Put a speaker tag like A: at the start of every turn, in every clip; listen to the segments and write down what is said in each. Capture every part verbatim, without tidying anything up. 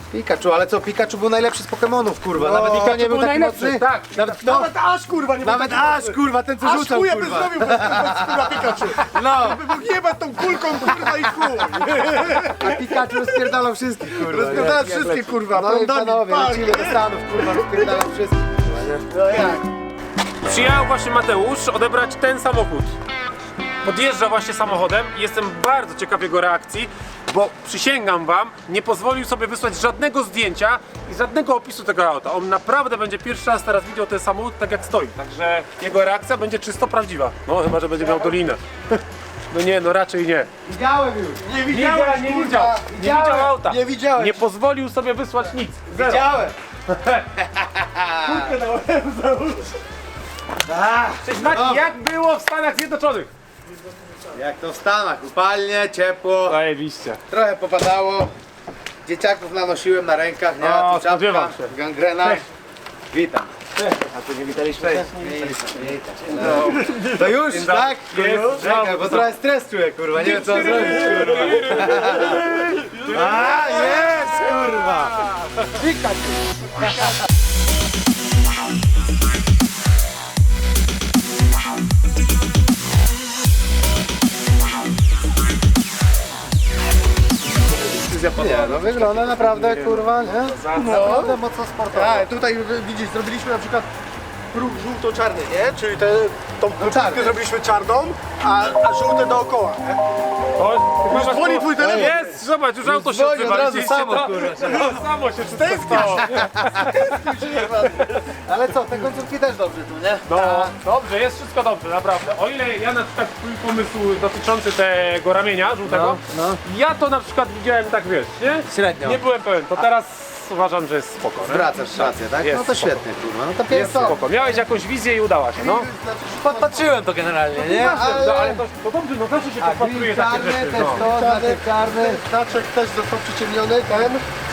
A: Pikachu, ale co, Pikachu był najlepszy z Pokemonów, kurwa.
B: No,
A: Nawet Pikachu nie był taki
B: najlepszy,
A: mocny.
B: tak.
A: Nawet, no,
B: Nawet aż kurwa nie był
A: nawet
B: taki
A: aż,
B: mocny.
A: kurwa, ten co
B: Aż
A: rzucał,
B: chuja by
A: kurwa.
B: zrobił bez, bez kurwa Pikachu.
A: No,
B: By mógł jebać tą kulką kurwa i chuj.
A: a Pikachu rozpierdalał wszystkich, kurwa.
B: Rozpierdalał
A: nie?
B: wszystkich, kurwa,
A: No i
B: prądami,
A: panowie,
B: pal.
A: lecimy do Stanów, kurwa, rozpierdalał wszystkich, kurwa, nie?
B: No jak?
C: Przyjechał właśnie Mateusz odebrać ten samochód. Podjeżdża właśnie samochodem i jestem bardzo ciekaw jego reakcji, bo przysięgam wam, nie pozwolił sobie wysłać żadnego zdjęcia i żadnego opisu tego auta. On naprawdę będzie pierwszy raz teraz widział ten samochód tak jak stoi, także jego reakcja będzie czysto prawdziwa. No chyba, że będzie miał dolinę. No nie, no raczej nie.
A: Widziałem już.
B: Nie
C: Nie,
B: widziałem,
C: nie widział, nie widział auta.
B: Nie widziałeś.
C: Nie pozwolił sobie wysłać nic. Zero.
A: Widziałem.
C: Cześć Maciej, jak było w Stanach Zjednoczonych?
A: Jak to w Stanach, upalnie, ciepło,
C: Zajebiście.
A: trochę popadało. Dzieciaków nanosiłem na rękach, nie?
C: O,
A: Tu czapka,
C: spodziewam się.
A: gangrena.
C: Cześć.
A: Witam. A tu nie witaliśmy? Cześć. No. To już,
C: Dzień
A: tak?
C: dobry. Jest.
A: Czekaj, bo trochę stres czuję, kurwa, nie wiem co mam zrobić, kurwa. A, jest, kurwa! Nie, no wygląda naprawdę, kurwa, nie? Naprawdę mocno sportowo.
B: Tak, tutaj widzisz, zrobiliśmy na przykład próg żółto-czarny, nie? Czyli te, tą
A: czarny.
B: czarkę zrobiliśmy czarną, a, a żółte dookoła, nie?
C: O,
B: Już dzwoni twój telefon.
C: Jest, zobacz, już auto się
A: dzwoni
C: odzywa.
A: od razu
C: widzieliście
A: samo,
C: to?
A: kurwa.
C: No, samo się wszystko stało.
A: Ale co, te końcówki też dobrze tu, nie?
C: No, dobrze, jest wszystko dobrze, naprawdę. O ile ja na przykład twój pomysł dotyczący tego ramienia żółtego,
A: No, no.
C: ja to na przykład widziałem tak, wiesz, nie?
A: Średnio.
C: Nie byłem pewien, to teraz uważam, że jest spoko, nie?
A: Zwracasz rację, tak?
C: Jest
A: No to
C: spoko.
A: świetnie, kurwa, no to
C: Jest
A: piękno.
C: spoko. Miałeś jakąś wizję i udała się, no.
A: Podpatrzyłem to generalnie, nie?
C: No, ale to, to dobrze, no zawsze się podpatruje takie
A: czarny
C: rzeczy,
A: też
C: no.
A: to, znaczek czarny.
B: Znaczek też został przyciemniony, ten.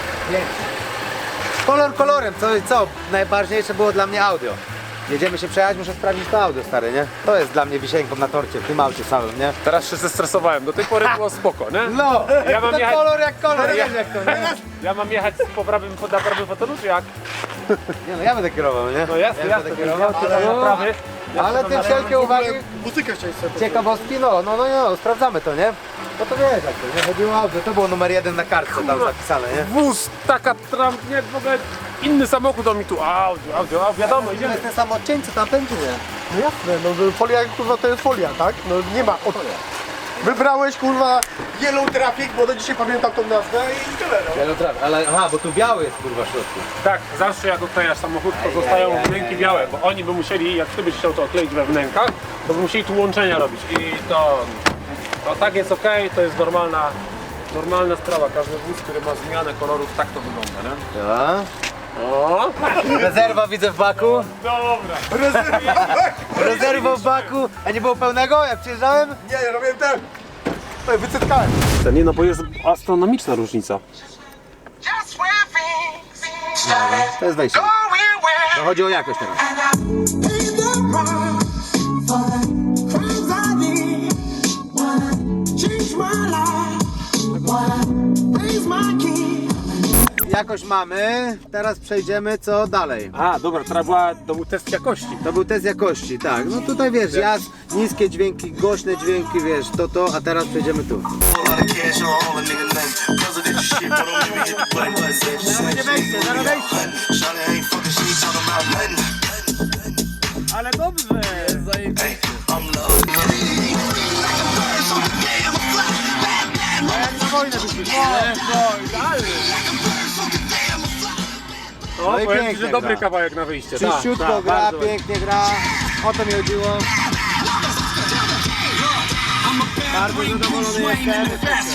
A: Kolor kolorem, co, co najważniejsze było dla mnie audio. Jedziemy się przejechać, muszę sprawdzić to audio, stary, nie? To jest dla mnie wisienką na torcie, w tym aucie całym, nie?
C: Teraz się zestresowałem, do tej pory było spoko, nie?
A: No,
C: Ja mam
A: to
C: jechać-
A: kolor jak kolor,
C: Ja-
A: wiem jak to, nie?
C: Ja mam jechać po prawym, na prawym fotelu, czy jak?
A: Nie no, ja będę kierował, nie?
C: No jasne,
A: ja
C: jasne,
A: będę
C: ja
A: kierował,
C: tutaj na prawy.
A: ale te wszelkie uwagi,
B: Muzykę chciałeś sobie
A: ciekawostki, no, no, no, no, sprawdzamy to, nie? No to wiesz jak to, nie? Chodziło o audio, to było numer jeden na kartce tam zapisane, nie?
C: Wóz, taka tram, nie, w ogóle inny samochód on mi tu, audio, audio, audio, wiadomo,
A: To
C: idziemy.
A: jest ten sam odcień, co tamten, czy nie?
B: No jasne, no że folia kurwa to jest folia, tak? No nie ma od... Wybrałeś kurwa Yellow Traffic, bo do dzisiaj pamiętam tą nazwę i tyle, no.
A: Wielotrawy, ale aha, bo tu biały jest kurwa w środku.
C: Tak, zawsze jak oklejasz samochód, to zostają wnęki białe, bo oni by musieli, jak ty byś chciał to okleić we wnękach, to by musieli tu łączenia robić i to, to tak jest okej, to jest normalna, normalna sprawa, każdy wóz, który ma zmianę kolorów, tak to wygląda, nie?
A: Ja.
C: O,
A: Rezerwa widzę w baku.
C: dobra.
A: Rezerwa w baku. A nie było pełnego jak przyjeżdżałem?
B: Nie, ja robiłem ten. Tutaj wycytkałem.
C: Nie no, bo jest astronomiczna różnica.
D: Just where things started
A: To jest wejście.
D: going well.
A: To chodzi o jakość teraz.
D: Pay the price for the crimes I did. Wanna change my life. Wanna raise my kid.
A: Jakość mamy. Teraz przejdziemy co dalej.
C: A, dobra, to była, to był test jakości.
A: To był test jakości, tak. No tutaj wiesz, jazd, niskie dźwięki, głośne dźwięki, wiesz, to to, a teraz przejdziemy tu. Będzie wejście, zaraz wejście.
C: Ale dobrze. No,
A: No i
C: powiem ci,
A: pięknie
C: że dobry
A: gra.
C: kawałek na wyjście.
A: Czyściutko
C: Tak, tak,
A: gra,
C: bardzo.
A: pięknie gra. O to mi chodziło. Bardzo zadowolony jestem.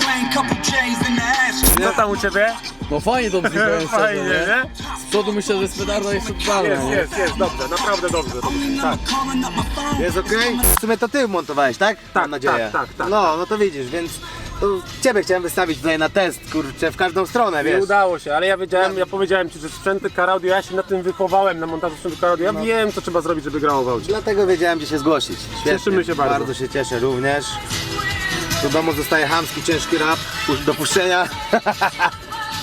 C: Co tam u ciebie?
E: No fajnie to brzmi, powiem szczerze,
C: Fajnie, nie?
E: Z przodu myślę, że jest petarda jeszcze totalna,
C: Jest,
E: nie?
C: jest, jest, dobrze, naprawdę dobrze. Tak,
A: Jest okej? W sumie to ty montowałeś, tak?
C: Tak,
A: Mam nadzieję.
C: tak, tak, tak.
A: No, no to widzisz, więc to ciebie chciałem wystawić tutaj na test, kurczę, w każdą stronę,
C: nie
A: wiesz.
C: udało się, ale ja wiedziałem, ja powiedziałem ci, że sprzęty Car Audio, ja się na tym wychowałem, na montażu sprzętu Car Audio, ja wiem, co trzeba zrobić, żeby grało w aucie.
A: Dlatego wiedziałem, gdzie się zgłosić. Świetnie.
C: Cieszymy się bardzo.
A: Bardzo się cieszę również. Do domu zostaje chamski, ciężki rap pu- do puszczenia.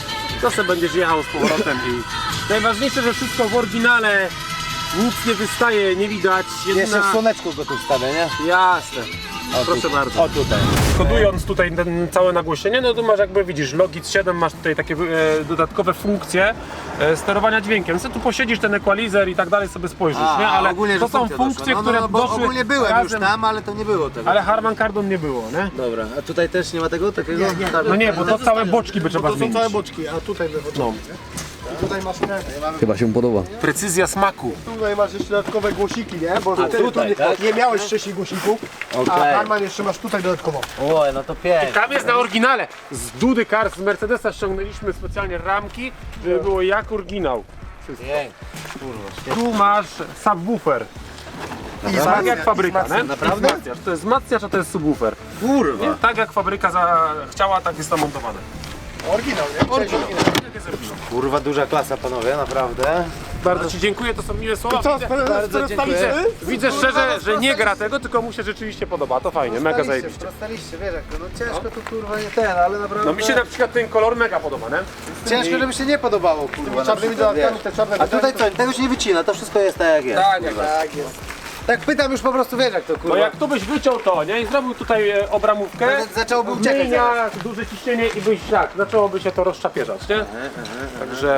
C: to sobie będziesz jechał z powrotem i najważniejsze, że wszystko w oryginale, nic nie wystaje, nie widać.
A: Jeszcze
C: Jedyna...
A: w słoneczku go tu wstawię, nie?
C: Jasne.
A: O,
C: Proszę
A: tu.
C: bardzo.
A: O tutaj.
C: Kodując tutaj ten całe nagłośnienie, no tu masz jakby widzisz Logitech siedem, masz tutaj takie e, dodatkowe funkcje e, sterowania dźwiękiem. Co tu posiedzisz ten equalizer i tak dalej sobie spojrzysz,
A: A,
C: nie? Ale
A: ogólnie, że
C: to są
A: funkcja
C: funkcje,
A: doszła.
C: które
A: no, no, bo
C: doszły
A: ogólnie byłem
C: razem,
A: już tam, ale to nie było tego.
C: ale Harman Kardon nie było, nie?
A: Dobra, a tutaj też nie ma tego takiego?
B: Nie, nie.
C: No nie, bo to całe boczki by trzeba
B: Bo to są
C: zmienić.
B: całe boczki, a tutaj wychodzą.
C: No.
B: I tutaj masz te,
E: Chyba się mu podoba.
C: Precyzja smaku.
B: tutaj masz jeszcze dodatkowe głosiki, nie? Bo ty,
A: tutaj,
B: tu nie,
A: tak?
B: nie miałeś wcześniej głosików, a
A: Okej.
B: Harman jeszcze masz tutaj dodatkowo.
A: Oj, no to pięknie.
C: Tam jest na oryginale. Z Dudy Cars, z Mercedesa ściągnęliśmy specjalnie ramki, żeby było jak oryginał.
A: Pięknie.
C: Tu masz subwoofer. Tak jak fabryka, nie?
A: Naprawdę?
C: I wzmacniacz. To jest wzmacniacz, a to jest subwoofer.
A: Kurwa.
C: Nie? Tak jak fabryka za... chciała, tak jest to montowane.
B: Oryginał, nie? Oryginał.
A: Kurwa, duża klasa, panowie, naprawdę.
C: Bardzo Ci dziękuję, to są miłe słowa.
B: Co,
C: Widzę,
A: bardzo dziękuję.
C: widzę, widzę szczerze, że nie gra tego, tylko mu się rzeczywiście podoba. To fajnie, mega zajebiście.
A: Prostaliście, wiesz jak to, no ciężko tu kurwa nie ten, ale naprawdę...
C: No mi się na przykład ten kolor mega podoba, nie?
A: Ciężko, żeby się nie podobało, kurwa. na
B: czarnymi
A: przykład,
B: dodatkami,
A: wiesz.
B: te czarne
A: A tutaj co, tego się nie wycina, to wszystko jest tak jak jest.
C: Tak, jak
B: Tak jest.
A: Tak pytam już po prostu, wiesz jak to kurwa.
C: No jak tu byś wyciął to, nie? I zrobił tutaj e, obramówkę,
A: Nawet zaczęłoby uciekać
C: zmienia duże ciśnienie i byś tak, zaczęłoby się to rozczapieżać, nie? Także...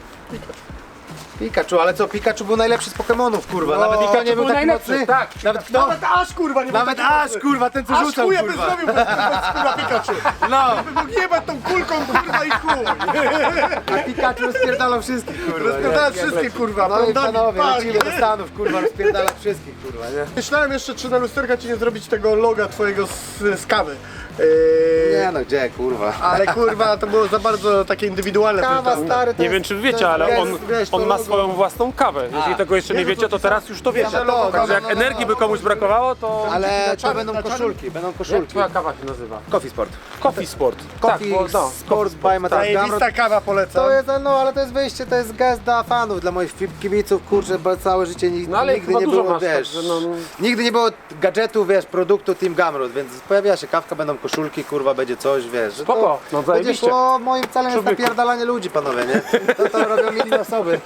A: Pikachu, ale co, Pikachu był najlepszy z Pokemonów, kurwa.
B: No,
A: Nawet Pikachu nie był
C: był
A: taki
C: najlepszy,
A: mocny.
C: tak.
A: Nawet kto?
B: Nawet aż kurwa nie
A: Nawet aż, kurwa, ten co
B: Aż
A: rzucał,
B: chuja by
A: kurwa.
B: zrobił bez, bez kurwa Pikachu.
A: No,
B: By mógł jebać tą kulką kurwa i chuj.
A: a Pikachu rozpierdalał wszystkich, kurwa.
B: Rozpierdala
A: nie?
B: wszystkie kurwa.
A: No i
B: prądami,
A: panowie,
B: pali,
A: lecimy do
B: nie?
A: Stanów, kurwa, rozpierdala wszystkich, kurwa, nie?
B: Myślałem jeszcze, czy na lusterka ci nie zrobić tego loga twojego z, z kawy. Yy,
A: Nie no, gdzie, kurwa.
B: ale kurwa, to było za bardzo takie indywidualne.
A: Kawa,
B: prezentacja.
A: stary, to
C: Nie
A: jest-
C: wiem czy
A: to
C: wiecie,
A: jest-
C: ale
A: wiesz,
C: on,
A: wiesz, to
C: on ma
A: logo.
C: swoją własną kawę. Jeśli tego jeszcze nie
B: Jezu,
C: wiecie, to teraz już to wiecie.
A: Same logo,
C: Także
A: no,
C: jak
A: no, no,
C: energii by komuś brakowało, to...
A: Ale to
B: czarny-
A: będą
B: na czarnym?
A: koszulki, będą
C: Jak
A: koszulki.
C: twoja kawa się nazywa?
A: Coffee Sport.
C: Coffee Sport.
A: Coffee
C: bo- no,
A: Sport by Mateusz Gamrot.
B: Zajebista kawa polecam.
A: To jest, no ale to jest wyjście, to jest gest dla fanów, dla moich fi- kibiców, kurczę, bo całe życie ni-
C: No ale
A: nigdy
C: chyba
A: nie
C: dużo
A: było,
C: masz,
A: wiesz,
C: także no, no.
A: nigdy nie było gadżetu, wiesz, produktu Team Gamrot, więc pojawia się kawka, będą koszulki, kurwa, będzie coś, wiesz, że
C: Spoko,
A: to
C: no
A: będzie
C: zajebiście.
A: szło, moim celem jest
C: Człowieku.
A: napierdalanie ludzi, panowie, nie? To, to robią inne osoby.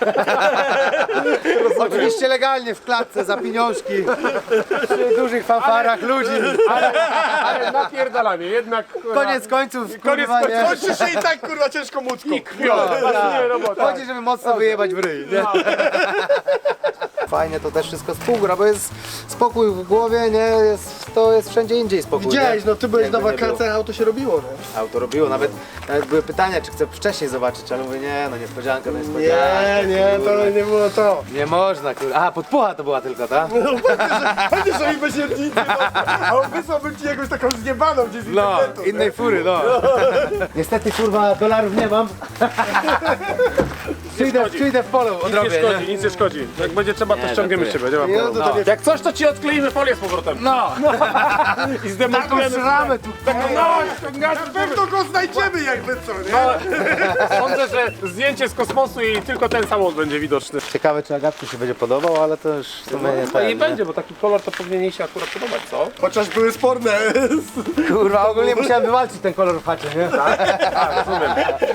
A: Oczywiście legalnie w klatce, za pieniążki, przy dużych fanfarach ludzi.
C: Ale napierdalanie, jednak...
A: Koniec końców,
C: Koniec
A: kurwa,
C: końców.
A: nie?
B: Kończy się i tak kurwa ciężko młotką.
C: Krwią, nie robota.
A: Chodzi, żeby mocno wyjebać w ryj, nie? Fajnie to też wszystko współgra, bo jest spokój w głowie, nie? Jest, to jest wszędzie indziej spokój.
B: Widziałeś,
A: nie?
B: no ty byłeś
A: Jakby
B: na
A: nie było.
B: wakacjach, auto się robiło, no.
A: Auto robiło, nawet, nawet były pytania, czy chcę wcześniej zobaczyć, ale mówię, nie, no niespodzianka, no niespodzianka.
B: Nie, nie, to
A: kurwa.
B: nie było to.
A: Nie można, kurwa. Aha, podpucha to była tylko, ta?
B: No pewnie, że mi beziętnicy, no. A on wysłałby ci jakąś taką zjebaną gdzieś z
A: No,
B: internetu.
A: innej fury, no. Niestety, kurwa, dolarów nie mam. Przyjdę, przyjdę w polu,
C: Nic nie
A: odrobię,
C: szkodzi,
A: nie?
C: nic nie szkodzi. Jak będzie trzeba, to
A: Nie,
C: ściągniemy z
A: żartuję.
C: ciebie, nie ma
B: Nie,
C: problemu.
B: no to nie-
C: Jak coś, to ci odkleimy folię z powrotem.
A: No,
C: I zdemontujemy.
A: ramę tu.
C: No, ściągamy.
B: Na pewno go znajdziemy jakby co, nie?
C: Sądzę, że zdjęcie z kosmosu i tylko ten samolot będzie widoczny.
A: Ciekawe, czy Agatce się będzie podobał, ale to już w sumie nie
C: No i
A: ten, nie?
C: będzie, bo taki kolor to powinien jej się akurat podobać, co?
B: Chociaż były sporne.
A: Kurwa, ogólnie musiałem wywalczyć ten kolor w chacie, nie?
C: A, rozumiem.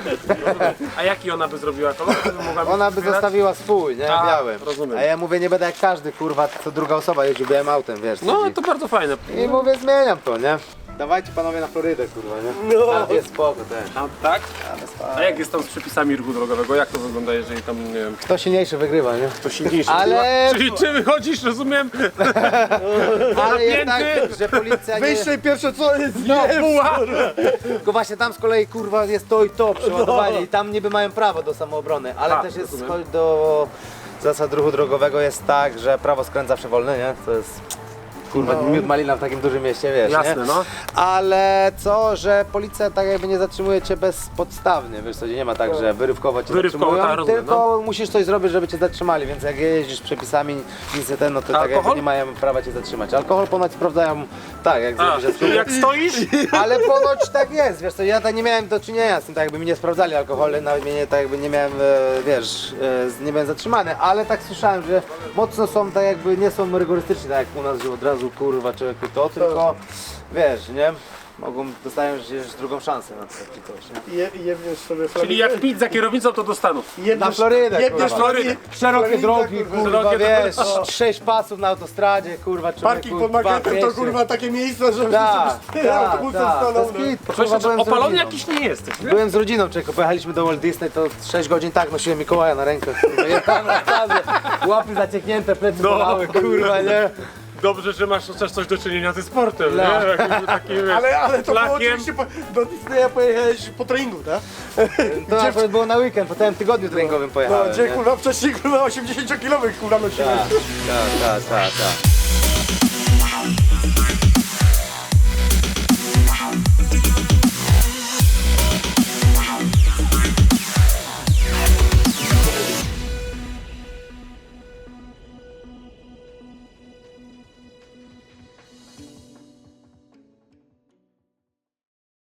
C: A jaki ona by zrobiła kolor? Żeby mogła mi
A: Ona by
C: wspierać?
A: zostawiła swój, nie?
C: A,
A: Białym.
C: rozumiem.
A: A ja mówię, nie będę jak każdy, kurwa, co druga osoba jeździł białym autem, wiesz.
C: No
A: chodzi.
C: to bardzo fajne.
A: I mówię, zmieniam to, nie? Dawajcie panowie na Florydę, kurwa, nie?
B: No.
A: Tam jest spoko też.
C: A, tak? A jak jest tam z przepisami ruchu drogowego? Jak to wygląda, jeżeli tam, nie wiem,
A: Kto silniejszy wygrywa, nie?
C: kto silniejszy?
A: Ale-
C: Czyli czy wychodzisz, rozumiem?
A: Ale jest tak,
C: Napięty.
A: że policja nie...
B: Wyjście i pierwsze co jest
C: No,
B: nie.
C: buła!
A: Tylko właśnie tam z kolei, kurwa, jest to i to przeładowanie i tam niby mają prawo do samoobrony, ale
C: A,
A: też jest
C: rozumiem.
A: scho- do zasad ruchu drogowego jest tak, że prawo skręt zawsze wolne, nie? To jest... Kurwa, miód malina w takim dużym mieście, wiesz,
C: Jasne,
A: nie?
C: no.
A: Ale co, że policja tak jakby nie zatrzymuje cię bezpodstawnie, wiesz co, nie ma tak, że wyrywkowo cię
C: Wyrywkowo,
A: zatrzymują,
C: tak, rozumiem,
A: tylko musisz coś zrobić, żeby cię zatrzymali, więc jak jeździsz przepisami, nic nie ten, no to tak jakby
C: Alkohol?
A: nie mają prawa cię zatrzymać. Alkohol ponoć sprawdzają, tak, jak
C: A,
A: zrobisz
C: czyli jak stoisz?
A: ale ponoć tak jest, wiesz co, ja tak nie miałem do czynienia z tym, tak jakby mi nie sprawdzali alkoholu, nawet mnie nie, tak jakby nie miałem, e, wiesz, e, nie byłem zatrzymany, ale tak słyszałem, że mocno są tak jakby, nie są rygorystyczni, tak jak u nas, że od razu kurwa człowieku to, tylko wiesz, nie? mogą, dostają gdzieś drugą szansę na takie coś, nie?
B: Je, jebniesz sobie
C: Czyli jak pić za kierownicą, to do Stanów.
B: Jebniesz,
A: Na Florydę,
B: jebniesz
A: kurwa.
B: Florydę.
A: Szerokie
B: Floryda,
A: drogi,
B: kurwa.
A: kurwa,
C: Szerokie
A: wiesz,
C: drogi.
A: sześć pasów na autostradzie, kurwa, człowieku,
B: Parking pod
A: dwa,
B: marketem to
A: dwieście.
B: kurwa takie miejsca, że
A: Tak,
B: tyle
A: tak,
B: autobusów
A: tak,
B: stanął.
A: bez
B: no.
A: kitu, kurwa,
C: Przecież
A: byłem z
C: opalony
A: rodziną.
C: jakiś nie jesteś. nie?
A: Byłem z rodziną, czego pojechaliśmy do Walt Disney, to sześć godzin tak nosiłem Mikołaja na rękach, kurwa, jechałem na stazie, łapy zacieknięte, plecy
C: No,
A: bolały, kurwa, nie?
C: Dobrze, że masz chociaż coś do czynienia ze sportem,
A: No.
C: nie? Takim, takim, wiesz,
B: Ale, ale to było
C: flakiem.
B: oczywiście po, do Disneya pojechałeś po treningu, tak?
A: To akurat było na weekend, po całym tygodniu treningowym
B: No,
A: pojechałem,
B: gdzie
A: nie?
B: kurwa wcześniej kurwa osiemdziesięciokilowych kurwa nosiłeś.
A: Tak, tak, tak, tak, tak.